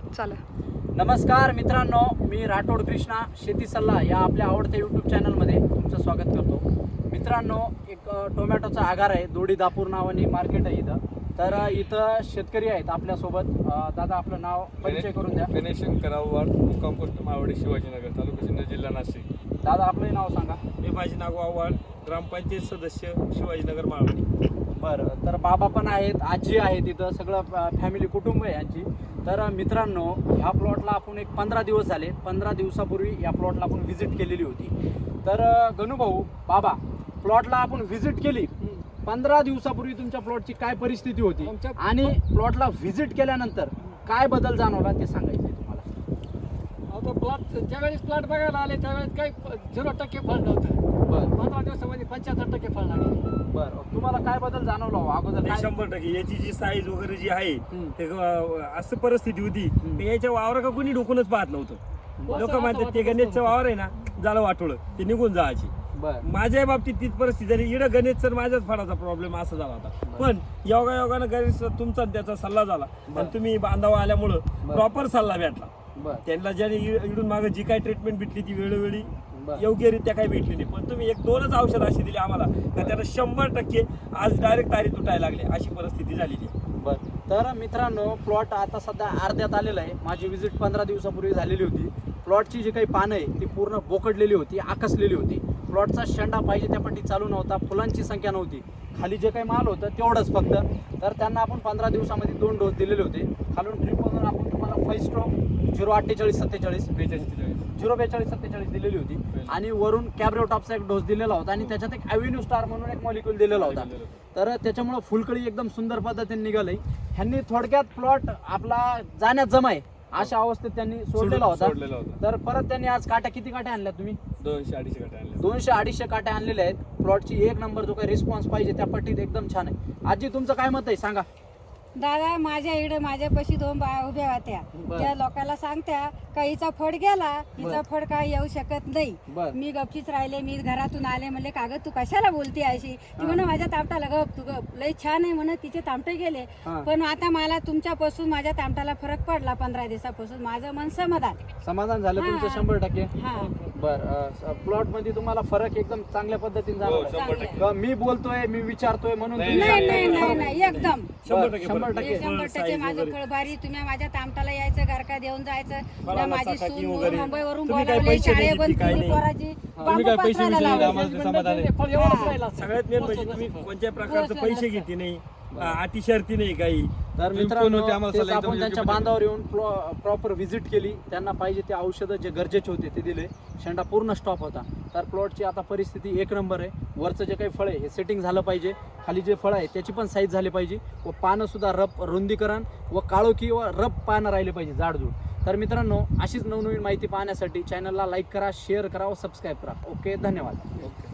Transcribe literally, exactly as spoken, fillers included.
चला. नमस्कार मित्रांनो, मी राठोड कृष्णा शेती सल्ला या आपल्या आवडत्या यूट्यूब चॅनलमध्ये तुमचं स्वागत करतो. मित्रांनो, एक टोमॅटोचा आगार आहे, दोडी दापूर नावाने मार्केट आहे इथं. तर इथं शेतकरी आहेत आपल्यासोबत. दादा, आपलं नाव परिचय करून द्या. गणेश शंकरराव मुक्काम पोस्ट मावडी शिवाजीनगर, तालुका सिन्नर, जिल्हा नाशिक. दादा, आपलं नाव सांगा. मी माझे नाव आव्हाड, ग्रामपंचायत सदस्य, शिवाजीनगर मावडी. बरं, तर बाबा पण आहेत, आजी आहेत, इथं सगळं फॅमिली कुटुंब आहे यांची. तर मित्रांनो, ह्या प्लॉटला आपण एक पंधरा दिवस झाले, पंधरा दिवसापूर्वी या प्लॉटला आपण व्हिजिट केलेली होती. तर गणूभाऊ, बाबा, प्लॉटला आपण व्हिजिट केली. पंधरा दिवसापूर्वी तुमच्या प्लॉटची काय परिस्थिती होती आणि प्लॉटला व्हिजिट केल्यानंतर काय बदल जाणवला ते सांगायचं आहे तुम्हाला. आता प्लॉट ज्यावेळेस प्लॉट बघायला आले त्यावेळेस काही झिरो टक्के फळ नव्हतं. बरं पंधरा दिवसामध्ये पंच्याहत्तर टक्के फळ लागले. बरं, तुम्हाला काय बदल जाणवला हो अगोदर? नाही, काय- शंभर टक्के याची जी साईज वगैरे जी आहे हम्म. ते अं, असं परिस्थिती होती की याच्या वावर का कोणी डोकूनच पाहत नव्हतं. लोक असं म्हणतात ते वाटत गणेशचं वावर आहे ना, झालं वाटोळं, ते निघून जायची. बरं माझ्या बाबतीत तीच परिस्थिती झाली. इकडं गणेशचं माझ्याच फळाचा प्रॉब्लेम असा झाला होता. पण योगा योगानं गणेश तुमचा आणि त्याचा सल्ला झाला आणि तुम्ही बांधावा आल्यामुळं प्रॉपर सल्ला भेटला. बरं त्यांना ज्याने इ- इकडून मागं जी काही ट्रीटमेंट भेटली ती वेळोवेळी बरं. योग्यरित्या काही भेटली नाही. पण तुम्ही एक दोनच औषध अशी दिली आम्हाला का त्याला शंभर टक्के आज डायरेक्ट तारी तुटायला लागले, अशी परिस्थिती झालेली आहे. बरं, तर मित्रांनो, प्लॉट आता सध्या अर्ध्यात आलेला आहे. माझी विजिट पंधरा दिवसापूर्वी झालेली होती. प्लॉटची जी काही पानं आहे ती पूर्ण बोकडलेली होती, आकसलेली होती. प्लॉटचा शेंडा पाहिजे त्या पट्टी चालू नव्हता, फुलांची संख्या नव्हती, खाली जे काही माल होतं तेवढंच फक्त. तर त्यांना आपण पंधरा दिवसामध्ये दोन डोस दिलेले होते. खालून ड्रिपमधून आपण तुम्हाला फायस्ट्रो झिरो अठ्ठेचाळीस सत्तेचाळीस बेचाळीस झिरो बेचाळीस सत्तेचाळीस दिलेली होती आणि वरून कॅब्रेटॉपचा एक डोस दिलेला होता आणि त्याच्यात एक ॲव्हेन्यू स्टार म्हणून एक मॉलिक्यूल दिलेला होता. तर त्याच्यामुळं फुलकळी एकदम सुंदर पद्धतीने निघाली. ह्यांनी थोडक्यात प्लॉट आपला जाण्यात जमाय अशा अवस्थेत त्यांनी सोडलेला होता. सोडलेला होता. तर परत त्यांनी आज काट्या किती काट्या आणल्या तुम्ही? दोनशे अडीचशे गट आणले. दोनशे अडीचशे काट्या आणलेल्या आहेत. प्लॉटची एक नंबर जो काही रिस्पॉन्स पाहिजे त्या पट्टीत एकदम छान आहे. आजी, तुमचं काय मत आहे सांगा. दादा, माझ्या इकडे माझ्यापाशी दोन बाया उभ्या होत्या. बरं. त्या लोकांना सांगत्या का हिचा फड गेला, हिचा फड काय येऊ शकत नाही. बरं. मी गपचीच राहिले. मी घरातून आले, म्हणले कागद तू कशाला बोलते अशी? ती म्हणा माझ्या तामटाला गप, तू गप, लय छान आहे म्हणत तिचे तामटे गेले. हा. पण आता मला तुमच्यापासून माझ्या तामटाला फरक पडला. पंधरा दिवसापासून माझं मन समाधान. समाधान झालं हा. तुमचं शंभर टक्के? हा बर, प्लॉट मध्ये तुम्हाला फरक एकदम चांगल्या पद्धतीने हो, झाला? शंभर टक्के. का मी बोलतोय, मी विचारतोय म्हणून नाही, तुम्ही नाही सांगताय? नाही नाही नाही एकदम शंभर बरं, टक्के शंभर फरक. टक्के. हे शंभर टक्के size माझं वगैरे. फळ भारी. तुम्ही माझ्या तामटाला यायचं, गारका देऊन जायचं. फळाला ना माझी चाकाकी सून वगैरे. मुंबईवरून तुम्ही काय बोलावली, पैसे शाळे दिले बंद की काय केली नाही? पोराची. तुम्ही बांबू काय पैसे पसरायला बिसे दिले लावले. आम्हाला ते समाधान आहे. फळ एवढंच राहिलं. सगळ्यात मेन म्हणजे तुम्ही कोणत्या प्रकारचं बस, पैसे बस. घेते नाही, अटी शर्ती नाही काही. तर तुम्ही मित्रांनो, कोण होते आम्हाला तेच सल्ला एकदम आपण त्यांच्या योग्य बांधावर येऊन प्रॉपर व्हिजिट केली. त्यांना पाहिजे ते औषधं जे गरजेचे होते ते दिले. शेंडा पूर्ण स्टॉप होता. तर प्लॉटची आता परिस्थिती एक नंबर आहे. वरचं जे काही फळ आहे हे सेटिंग झालं पाहिजे, खाली जे फळ आहे त्याची पण साईज झाली पाहिजे व पानं सुद्धा रप रुंदीकरण व काळोखी व रप पानं राहिले पाहिजे, जाडजूड. तर मित्रांनो, अशीच नवनवीन माहिती पाहण्यासाठी चॅनलला लाईक करा, शेअर करा व सबस्क्राईब करा. ओके, धन्यवाद. ओके.